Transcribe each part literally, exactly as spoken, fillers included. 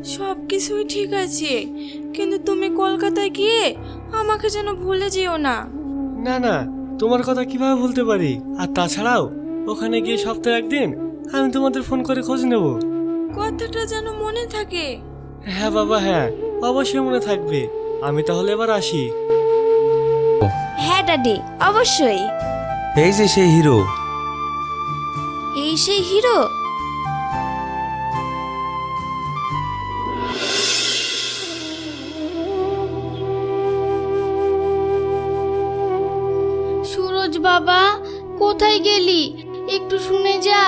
সব কিছুই ঠিক আছে, কিন্তু তুমি কলকাতায় গিয়ে আমাকে যেন ভুলে যেও না। না না, তোমার কথা কিভাবে ভুলতে পারি? আর তাছাড়াও ওখানে গিয়ে সপ্তাহে একদিন আমি তোমাদের ফোন করে খোঁজ নেব। কথাটা যেন মনে থাকে। হ্যাঁ বাবা, হ্যাঁ অবশ্যই মনে থাকবে। আমি তাহলে এবার আসি। হ্যাঁ ড্যাডি, অবশ্যই। এই যে সেই হিরো। এই সেই হিরো? সুরজ বাবা, কোথায় গেলি? একটু শুনে যা।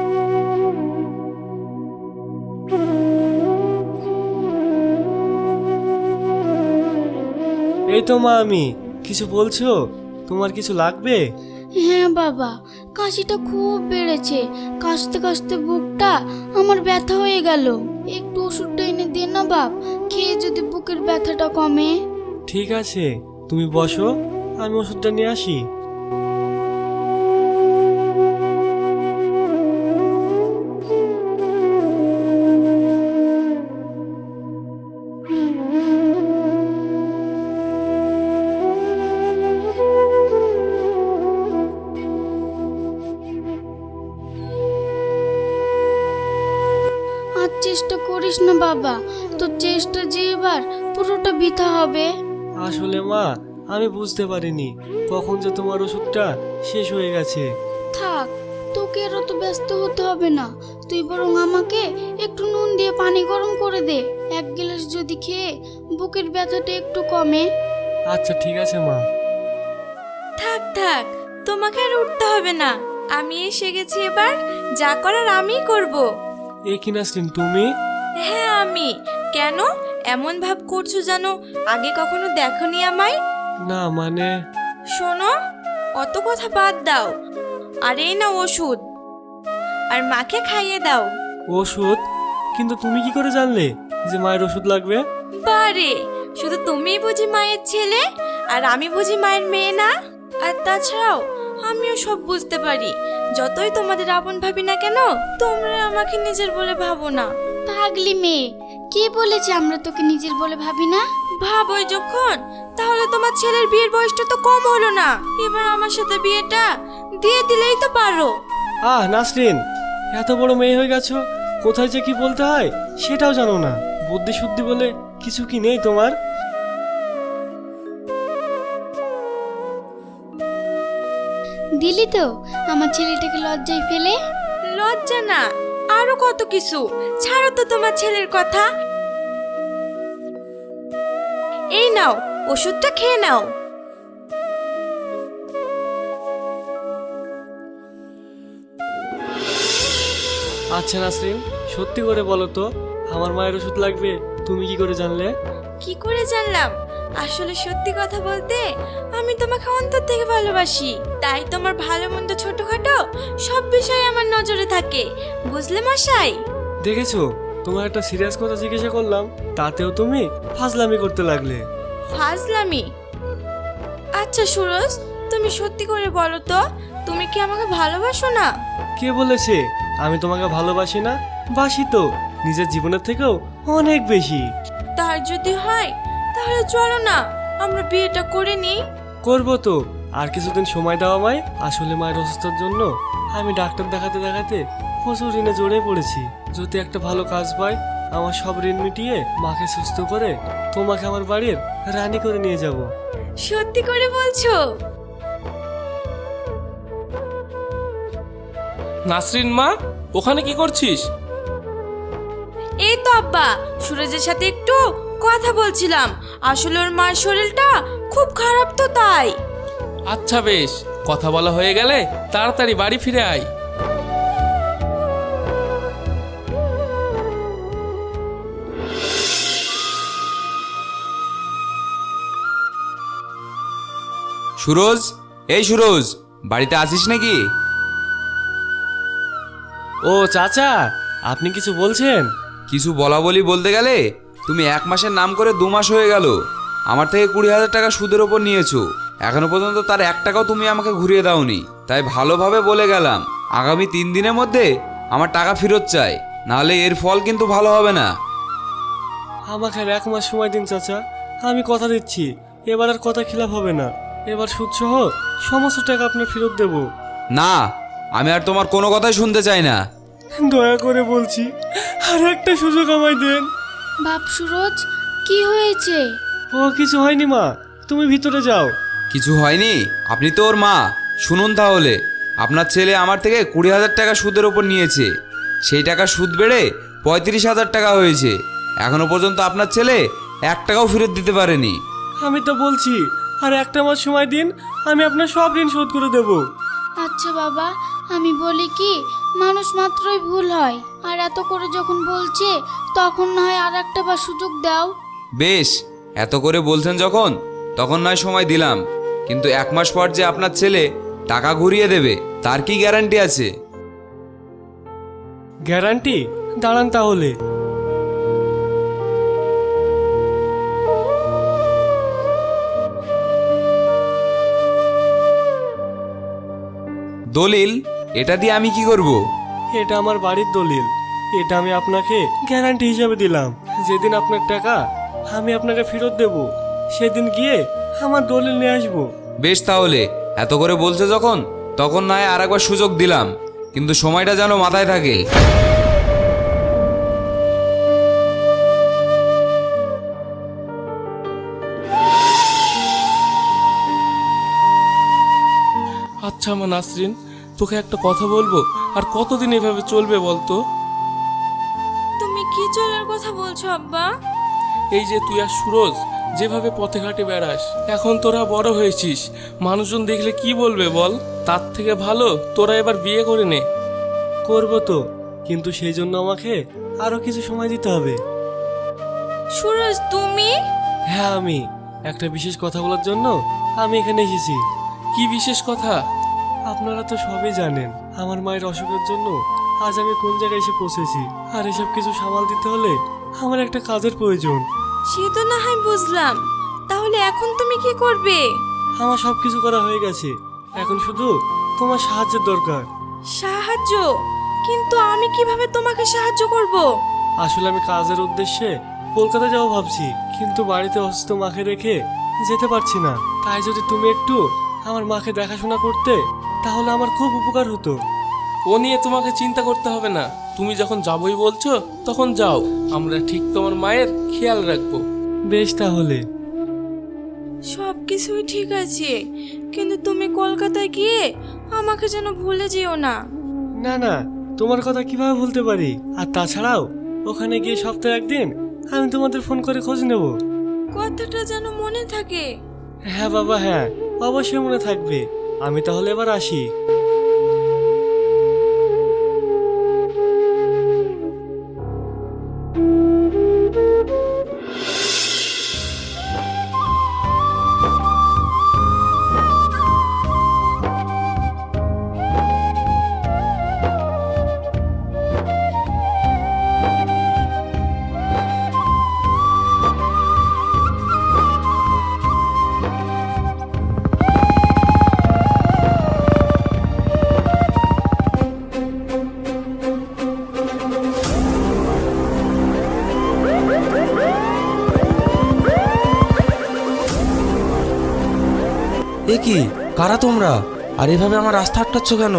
এই তো মা, আমি কিছু বলছো? তোমার কিছু লাগবে? হ্যাঁ বাবা, কাশিটা খুব বেড়েছে। কাশতে কাশতে বুকটা আমার ব্যথা হয়ে গেল। একটু ওষুধটা এনে দে না বাপ, খেয়ে যদি বুকের ব্যথাটা কমে। ঠিক আছে, তুমি বসো, আমি ওষুধটা নিয়ে আসি। আর চেষ্টা করিস না বাবা, তোর চেষ্টা যে এবার পুরোটা বৃথা হবে। আসলে মা, আমি বুঝতে পারিনি কখন যে তোমার ওষুধটা শেষ হয়ে গেছে। থাক, তোকে আর অত ব্যস্ত হতে হবে না। তুই বরং আমাকে একটু নুন দিয়ে পানি গরম করে দে। এক গ্লাস যদি খেয়ে বুকের ব্যথাটা একটু কমে। আচ্ছা ঠিক আছে মা। থাক থাক, তোমাকে আর উঠতে হবে না, আমি এসে গেছি। এবার যা করার আমিই করব। এ কি নাসরিন, তুমি? হ্যাঁ আমি। কেন এমন ভাব করছো জানো আগে কখনো দেখোনি আমায়? না মানে। শোনো, অত কথা বাদ দাও, আর এই না ওষুধ, আর মাকে খাইয়ে দাও। ওষুধ? কিন্তু তুমি কি করে জানলে যে মায়ের ওষুধ লাগবে? বারে, শুধু তুমিই বুঝি মায়ের ছেলে, আর আমি বুঝি মায়ের মেয়ে না? আর তাছাড়াও আমিও সব বুঝতে পারি। যতই তোমাদের আপন ভাবি না কেন, তোমরা আমাকে নিজের বলে ভাবো না। পাগলি মেয়ে, কে বলেছে আমরা তোকে নিজের বলে ভাবি না? ভাবোই যখন, তাহলে তোমার ছেলের বিয়ের বয়সটা তো কম হলো না। এবার আমার সাথে বিয়েটা দিয়ে দিলেই তো পারো। আহ নাসরিন, এত বড় মেয়ে হয়ে গেছো, কোথায় যে কি বলতে হয় সেটাও জানো না। বুদ্ধি শুদ্ধি বলে কিছু কি নেই তোমার? দিলি তো আমার ছেলেটাকে লজ্জায় ফেলে। লজ্জা না, আরো কত কিছু। ছাড়ো তো তোমার ছেলের কথা। এই নাও, ওষুধটা খেয়ে নাও। আচ্ছা নাসরিন, সত্যি করে বলো তো, আমার মায়ের ওষুধ লাগবে তুমি কি করে জানলে? কি করে জানলাম? আসলে সত্যি কথা বলতে আমি তোমাকে অন্তর থেকে ভালোবাসি, তাই তোমার ভালো মন্দ ছোটখাটো সব বিষয়ে আমার নজরে থাকে, বুঝলে মশাই? দেখেছো, তোমার একটা সিরিয়াস কথা জিজ্ঞাসা করলাম, তাতেও তুমি ফাজলামি করতে লাগলে। ফাজলামি? আচ্ছা সুরজ, তুমি সত্যি করে বলো তো, তুমি কি আমাকে ভালোবাসো না? কে বলেছে আমি তোমাকে ভালোবাসি না? বাসি তো, নিজের জীবনের থেকেও অনেক বেশি। তার যদি হয় তাহলে চলো না আমরা বিয়েটা করে নিই। করবো তো, আর কিছুদিন সময় দাও আমায়। আসলে মায়ের অসুস্থতার জন্য আমি ডাক্তার দেখাতে দেখাতে প্রচুর ঋণে জড়িয়ে পড়েছি। যদি একটা ভালো কাজ পাই, আমার সব ঋণ মিটিয়ে মাকে সুস্থ করে তোমাকে আমার বাড়ির রানী করে নিয়ে যাব। সত্যি করে বলছো? নাসরিন মা, ওখানে কি করছিস? এই তো আব্বা, সুরজের সাথে একটু কথা বলছিলাম। আসলে ওর মার শরীরটা খুব খারাপ তো, তাই। আচ্ছা বেশ, কথা বলা হয়ে গেলে তাড়াতাড়ি বাড়ি ফিরে আয়। সুরজ, এই সুরজ, বাড়িতে আছিস নাকি? ও চাচা, আপনি কিছু বলছেন? কিছু বলা বলি বলতে গেলে তুমি এক মাসের নাম করে দু মাস হয়ে গেল আমার থেকে কুড়ি হাজার টাকা সুদের ওপর নিয়েছো। এখনো পর্যন্ত তার এক টাকাও তুমি আমাকে ঘুরিয়ে দাওনি। তাই ভালোভাবে বলে গেলাম, আগামী তিন দিনের মধ্যে আমার টাকা ফেরত চাই, নাহলে এর ফল কিন্তু ভালো হবে না। আমাকে আর এক মাস সময় দিন চাচা, আমি কথা দিচ্ছি এবার আর কথা খিলাফ হবে না। এবার সুদ সহ সমস্ত টাকা আপনার ফেরত দেব। না, আমি আর তোমার কোনো কথাই শুনতে চাই না। দয়া করে বলছি আর একটা সুযোগ আমায় দেন। বাপ সুরজ, কি হয়েছে? ও কিছু হয়নি মা, তুমি ভিতরে যাও। কিছু হয়নি? আপনি তো ওর মা। শুনুন তাহলে, আপনার ছেলে আমার থেকে কুড়ি হাজার টাকা সুদের ওপর নিয়েছে। সেই টাকা সুদ বেড়ে পঁয়ত্রিশ হাজার টাকা হয়েছে। এখনো পর্যন্ত আপনার ছেলে এক টাকাও ফেরত দিতে পারেনি। আমি তো বলছি আর একটা মাস সময় দিন, আমি আপনার সব ঋণ শোধ করে দেব। আচ্ছা বাবা, আমি বলি কি, মানুষ মাত্রই ভুল হয়, আর এত করে যখন বলছে তখন না হয় আর একটা বার সুযোগ দাও। বেশ, এত করে বলছেন যখন, তখন নয় সময় দিলাম, কিন্তু এক মাস পর যে আপনার ছেলে টাকা ঘুরিয়ে দেবে তার কি গ্যারান্টি আছে? গ্যারান্টি? দাঁড়ান তাহলে। দলিল? এটা দিয়ে আমি কি করব? এটা আমার বাড়ির দলিল। এটা আমি আপনাকে গ্যারান্টি হিসাবে দিলাম। যেদিন আপনার টাকা আমি আপনাকে ফেরত দেব, সেদিন গিয়ে আমার দলিল নিয়ে আসবো। বেশ, তাহলে এত করে বলছে যখন, তখন নয় আর একবার সুযোগ দিলাম, কিন্তু সময়টা যেন মাথায় থাকে। আচ্ছা আমার নাসরিন, তোকে একটা কথা বলবো, আর কতদিন এভাবে চলবে বলতো? তুমি কি চলার কথা বলছো আব্বা? এই যে তুই আর সুরজ যেভাবে পথে ঘাটে বেড়াস, এখন তোরা বড় হয়েছিস, মানুষজন দেখলে কি বলবে বল? তার থেকে ভালো তোরা এবার বিয়ে করে নে। করবো তো, কিন্তু সেই জন্য আমাকে আরো কিছু সময় দিতে হবে। সুরজ, তুমি? হ্যাঁ, আমি একটা বিশেষ কথা বলার জন্য আমি এখানে এসেছি। কি বিশেষ কথা? আপনারা তো সবই জানেন আমার মায়ের অসুখের জন্য আজ আমি কোন জায়গায় এসে পৌঁছেছি। আর এসব কিছু সামাল দিতে হলে আমার একটা কাজের প্রয়োজন। সে তো না হয় বুঝলাম, তাহলে এখন তুমি কি করবে? আমার সব কিছু করা হয়ে গেছে, এখন শুধু তোমার সাহায্যের দরকার। সাহায্য? কিন্তু আমি কিভাবে তোমাকে সাহায্য করব? আসলে আমি কাজের উদ্দেশ্যে কলকাতা যাবো ভাবছি, কিন্তু বাড়িতে অসুস্থ মাকে রেখে যেতে পারছি না। তাই যদি তুমি একটু আমার মাকে দেখাশোনা করতে, তাহলে আমার খুব উপকার হতো। ও নিয়ে তোমাকে চিন্তা করতে হবে না, তুমি যখন যাবোই বলছো তখন যাও, আমরা ঠিক তোমার মায়ের খেয়াল রাখবো। বেশ তাহলে। সব কিছুই ঠিক আছে, কিন্তু তুমি কলকাতায় গিয়ে আমাকে যেন ভুলে যেও না। না না, তোমার কথা কিভাবে ভুলতে পারি? আর তাছাড়াও ওখানে গিয়ে সপ্তাহে একদিন আমি তোমাদের ফোন করে খোঁজ নেব। কথাটা যেন মনে থাকে। হ্যাঁ বাবা, হ্যাঁ অবশ্যই মনে থাকবে। আমি তাহলে এবার আসি। এ কি, কারা তোমরা? আর এভাবে আমার রাস্তা আটকাচ্ছ কেন?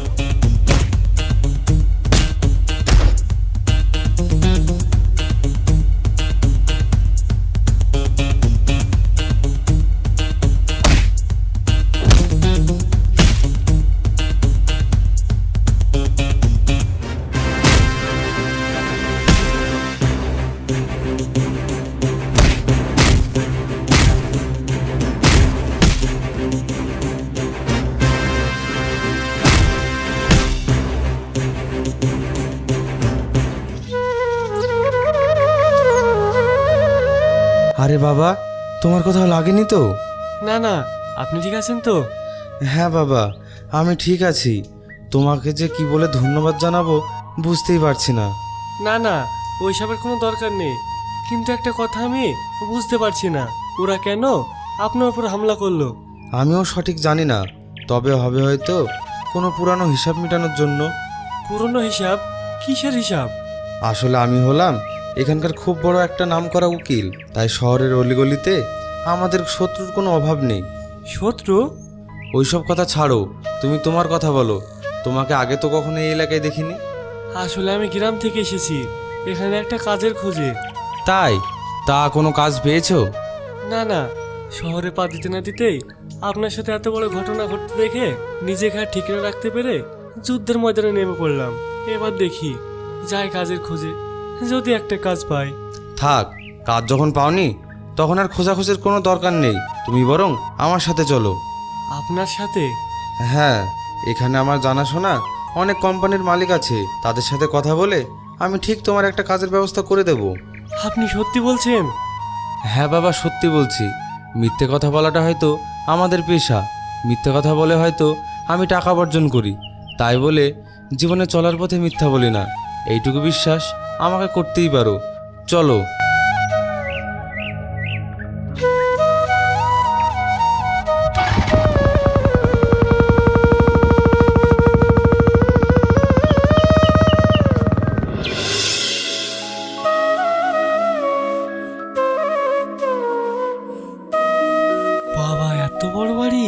আরে বাবা, তোমার কোথাও লাগেনি তো? না না, আপনি ঠিক আছেন তো? হ্যাঁ বাবা, আমি ঠিক আছি। তোমাকে যে কি বলে ধন্যবাদ জানাবো বুঝতেই পারছি না। না না, ওইসবের কোনো দরকার নেই, কিন্তু একটা কথা আমি বুঝতে পারছি না, ওরা কেন আপনার উপর হামলা করলো? আমিও সঠিক জানি না, তবে হবে হয়তো কোনো পুরানো হিসাব মেটানোর জন্য। পুরনো হিসাব? কিসের হিসাব? আসলে আমি হলাম এখানকার খুব বড় একটা নামকরা উকিল, তাই শহরের অলিগলিতে আমাদের শত্রুর কোনো অভাব নেই। শত্রু? ওইসব কথা ছাড়ো, তুমি তোমার কথা বলো। তোমাকে আগে তো কখনো এই এলাকায় দেখিনি। আসলে আমি গ্রাম থেকে এসেছি, এখানে একটা কাজের খোঁজে। তাই? তা কোনো কাজ পেয়েছো? না না, শহরে পা দিতে না দিতেই আপনার সাথে এত বড় ঘটনা ঘটতে দেখে নিজেকে আর ঠিক রাখতে পেরে যুদ্ধের ময়দানে নেমে পড়লাম। এবার দেখি যাই কাজের খোঁজে, যদি একটা কাজ পাই। থাক, কাজ যখন পাওনি তখন আর খোঁজাখুঁজির কোনো দরকার নেই। তুমি বরং আমার সাথে চলো। আপনার সাথে? হ্যাঁ, এখানে আমার জানাশোনা অনেক কোম্পানির মালিক আছে, তাদের সাথে কথা বলে আমি ঠিক তোমার একটা কাজের ব্যবস্থা করে দেব। আপনি সত্যি বলছেন? হ্যাঁ বাবা, সত্যি বলছি। মিথ্যে কথা বলাটা হয়তো আমাদের পেশা, মিথ্যে কথা বলে হয়তো আমি টাকা অর্জন করি, তাই বলে জীবনে চলার পথে মিথ্যা বলি না। এইটুকু বিশ্বাস আমাকে করতেই পারো। চলো। বাবা, এত বড় বাড়ি!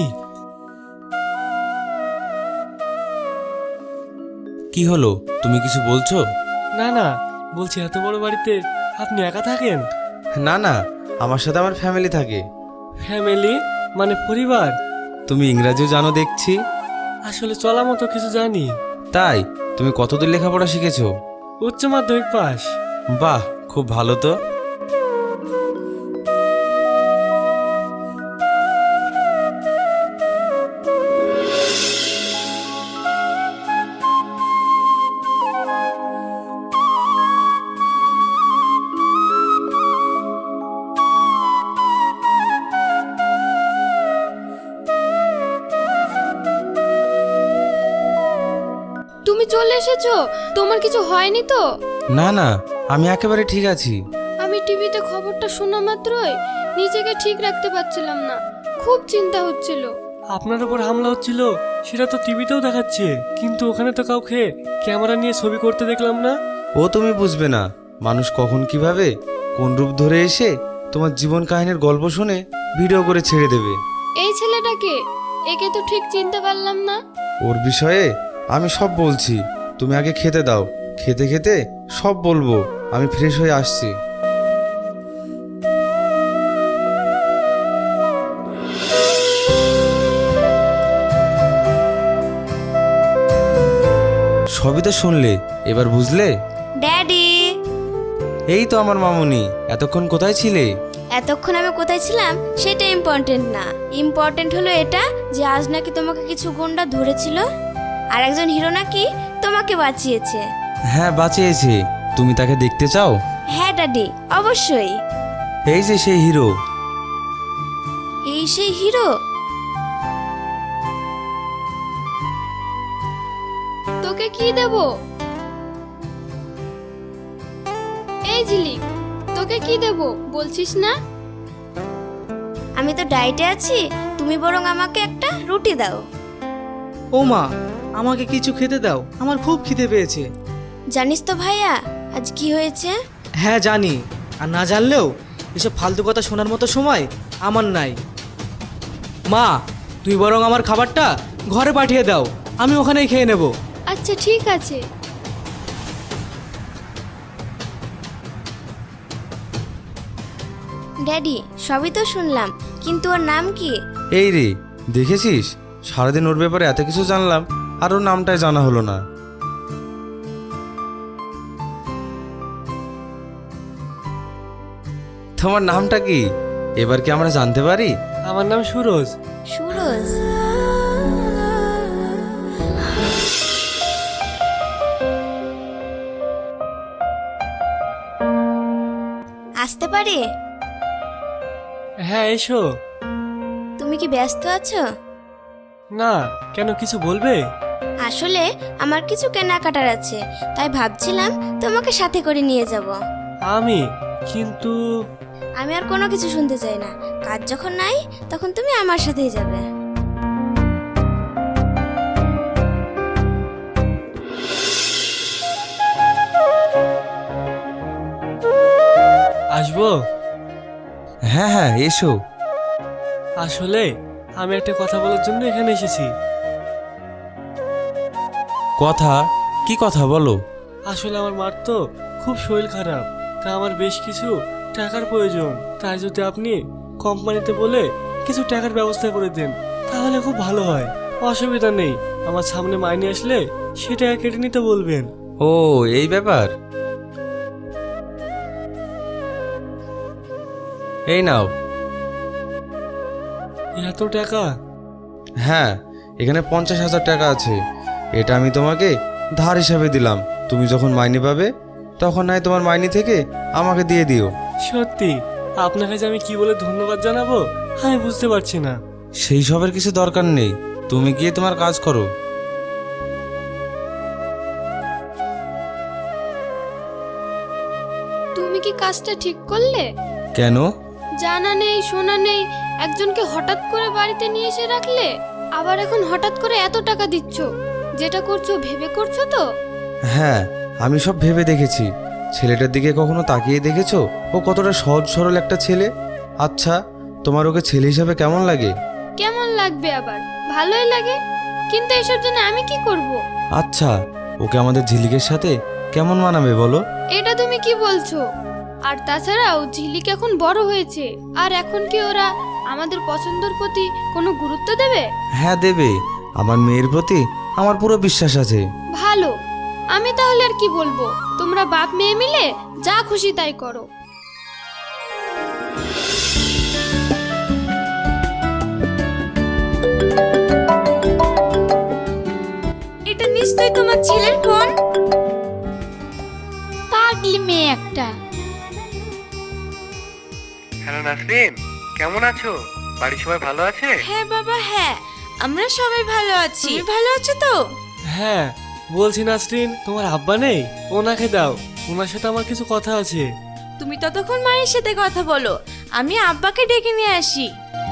কি হলো, তুমি কিছু বলছো? না না, বলছি এত বড় বাড়িতে আপনি একা থাকেন? না না, আমার সাথে আমার ফ্যামিলি থাকে। ফ্যামিলি মানে পরিবার? তুমি ইংরাজিও জানো দেখছি। আসলে চলা মতো কিছু জানি। তাই? তুমি কতদূর লেখাপড়া শিখেছো? উচ্চ মাধ্যমিক পাস। বাহ, খুব ভালো তো। তুমি চলে এসেছো? তোমার কিছু হয়নি তো? না না, আমি একেবারে ঠিক আছি। আমি টিভিতে খবরটা শোনা মাত্রই নিজেকে ঠিক রাখতে পারছিলাম না, খুব চিন্তা হচ্ছিল। আপনার উপর হামলা হচ্ছিল সেটা তো টিভিতেও দেখাচ্ছে, কিন্তু ওখানে তো কাউকে ক্যামেরা নিয়ে ছবি করতে দেখলাম না। ও তুমি বুঝবে না, মানুষ কখন কিভাবে কোন রূপ ধরে এসে তোমার জীবন কাহিনীর গল্প শুনে ভিডিও করে ছেড়ে দেবে। এই ছেলেটাকে, একে তো ঠিক চিনতে পারলাম না। ওর বিষয়ে আমি সব বলছি, তুমি আগে খেতে দাও। খেতে খেতে সব বলবো। আমি ফ্রেশ হয়ে আসছি। সবই তো শুনলে, এবার বুঝলে? ড্যাডি, এই তো আমার মামুনি, এতক্ষণ কোথায় ছিলে? এতক্ষণ আমি কোথায় ছিলাম সেটা ইম্পর্টেন্ট না, ইম্পর্টেন্ট হলো এটা যে আজ নাকি তোমাকে কিছু গুন্ডা ধরেছিল, আর একজন হিরো নাকি তোমাকে বাঁচিয়েছে। হ্যাঁ, বাঁচিয়েছে। তুমি তাকে দেখতে চাও? হ্যাঁ ড্যাডি, অবশ্যই। এই যে সেই হিরো। এই সেই হিরো? তোকে কি দেব? এই ঝিলিক, তোকে কি দেব বলছিস না? আমি তো ডায়েটে আছি, তুমি বরং আমাকে একটা রুটি দাও। ও মা, আমাকে কিছু খেতে দাও, আমার খুব খিদে পেয়েছে। জানিস তো ভাইয়া আজ কি হয়েছে? হ্যাঁ জানি, আর না জানলেও এসব ফালতু কথা শোনার মতো সময় আমার নাই। মা, তুই বরং আমার খাবারটা ঘরে পাঠিয়ে দাও, আমি ওখানেই খেয়ে নেব। আচ্ছা ঠিক আছে। ড্যাডি, সবই তো শুনলাম, কিন্তু ওর নাম কি? এই রে, দেখেছিস, সারাদিন ওর ব্যাপারে এত কিছু জানলাম আর ওর নামটাই জানা হলো না। তোমার নামটা কি এবার কি আমরা জানতে পারি? আমার নাম সুরজ। সুরজ? আসতে পারি? হ্যাঁ, এসো। তুমি কি ব্যস্ত আছো? না, কেন, কিছু বলবে? আসলে আমার কিছু কেনাকাটার আছে, তাই ভাবছিলাম তোমাকে সাথে করে নিয়ে যাব। আমি কিন্তু আমি আর কোনো কিছু শুনতে চাই না, কাজ যখন নাই তখন তুমি আমার সাথেই যাবে। আসবো? হ্যাঁ হ্যাঁ এসো। আসলে আমি একটা কথা বলার জন্য এখানে এসেছি। কথা? কি কথা বলো? আসলে আমার মার তো খুব শরীর খারাপ, তা আমার বেশ কিছু টাকার প্রয়োজন। তাই যদি আপনি কোম্পানিতে বলে কিছু টাকার ব্যবস্থা করে দেন তাহলে খুব ভালো হয়। অসুবিধা নেই, আমার সামনে মাইনে আসলে সে টাকা কেটে নিতে বলবেন। ও এই ব্যাপার। এই নাও। এত টাকা? হ্যাঁ, এখানে পঞ্চাশ হাজার টাকা আছে। এটা আমি তোমাকে ধার হিসাবে দিলাম। তুমি যখন মাইনে পাবে তখন নয় তোমার মাইনে থেকে আমাকে দিয়ে দিও। সত্যি আপনার কাছে আমি কি বলে ধন্যবাদ জানাবো আমি বুঝতে পারছি না। সেই সবের কিছু দরকার নেই, তুমি গিয়ে তোমার কাজ করো। তুমি কি কাজটা ঠিক করলে? কেন? জানা নেই শোনা নেই একজনকে হঠাৎ করে বাড়িতে নিয়ে এসে রাখলে, আবার এখন হঠাৎ করে এত টাকা দিচ্ছ। যেটা করছো ভেবে করছো তো? হ্যাঁ, আমি সব ভেবে দেখেছি। ছেলেটার দিকে কখনো তাকিয়ে দেখেছো ও কতটা সহজ সরল একটা ছেলে? আচ্ছা, তোমার ওকে ছেলে হিসাবে কেমন লাগে? কেমন লাগবে আবার, ভালোই লাগে। কিন্তু এসব জন্য আমি কি করব? আচ্ছা, ওকে আমাদের ঝিলিকের সাথে কেমন মানাবে বলো? এটা তুমি কি বলছো? আর তাছাড়াও ঝিলিক এখন বড় হয়েছে, আর এখন কি ওরা আমাদের পছন্দের প্রতি কোনো গুরুত্ব দেবে? হ্যাঁ দেবে, আমার মেয়ের প্রতি আমার পুরো বিশ্বাস আছে। ভালো, আমি তাহলে আর কি বলবো। তোমরা বাপ মেয়ে মিলে যা খুশি তাই করো। এটা নিশ্চয়ই তোমার ছেলের ফোন। পাগলি মেয়ে একটা। হ্যালো নাসরিন, কেমন আছো? বাড়ির সবাই ভালো আছে? হ্যাঁ বাবা, হ্যাঁ আমরা সবাই ভালো আছি। তুমি ভালো আছো তো? হ্যাঁ, বলছি নাসরিন তোমার আব্বা নেই, ওনাকে দাও, ওনার সাথে আমার কিছু কথা আছে। তুমি ততক্ষণ মায়ের সাথে কথা বলো, আমি আব্বাকে ডেকে নিয়ে আসি।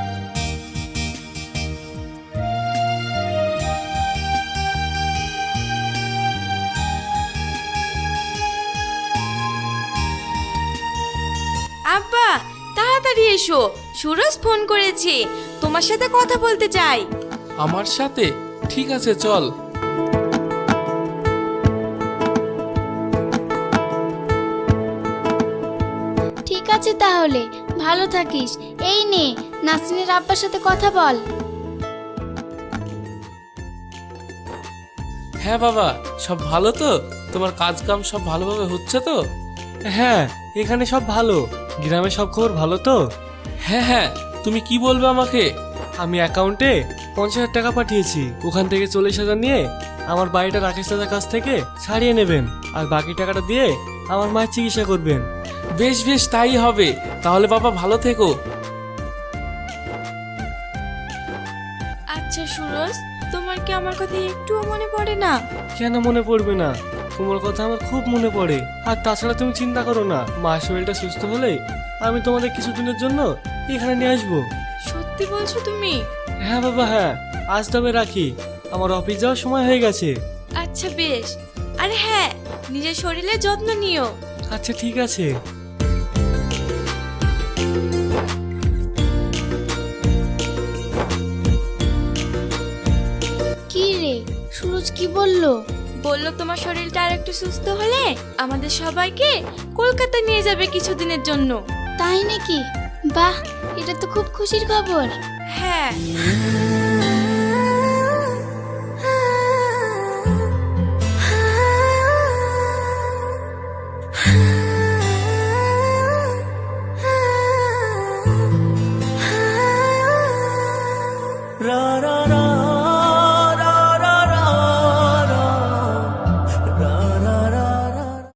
আব্বা তাড়াতাড়ি এসো, সুরজ ফোন করেছে, তোমার সাথে কথা বলতে চাই। আমার সাথে? ঠিক আছে চল। ঠিক আছে তাহলে, ভালো থাকিস। এই নে, নাসরিনের আব্বার সাথে কথা বল। হ্যাঁ বাবা, সব ভালো তো? তোমার কাজ কাম সব ভালোভাবে হচ্ছে তো? হ্যাঁ, এখানে সব ভালো। গ্রামে সব খবর ভালো তো? হ্যাঁ হ্যাঁ, তুমি কি বলবে আমাকে? আমি অ্যাকাউন্টে পঞ্চাশ হাজার টাকা পাঠিয়েছি, ওখান থেকে চল্লিশ হাজার নিয়ে আমার বাড়িটা রাকেশ দাদার কাছ থেকে ছাড়িয়ে নেবেন, আর বাকি টাকাটা দিয়ে আমার মায়ের চিকিৎসা করবেন। বেশ বেশ, তাই হবে। তাহলে বাবা ভালো থেকো। আচ্ছা সুরজ, তোমার কি আমার কথা একটুও মনে পড়ে না? কেন মনে পড়বে না, তোমার কথা আমার খুব মনে পড়ে। আর তাছাড়া তুমি চিন্তা করো না, মা শরীরটা সুস্থ হলে আমি তোমাদের কিছুদিনের জন্য এখানে নিয়ে আসবো। সত্যি বলছো তুমি? হ্যাঁ বাবা হ্যাঁ, আজ তবে রাখি, আমার অফিস যাওয়ার সময় হয়ে গেছে। আচ্ছা বেশ, আরে হ্যাঁ, নিজের শরীরের যত্ন নিও। আচ্ছা ঠিক আছে। কি রে, সুরজ কি বললো? বললো তোমার শরীরটা আর একটু সুস্থ হলে আমাদের সবাইকে কলকাতা নিয়ে যাবে কিছুদিনের জন্য। তাই নাকি? বাহ, এটা তো খুব খুশির খবর। হ্যাঁ। রা রা রা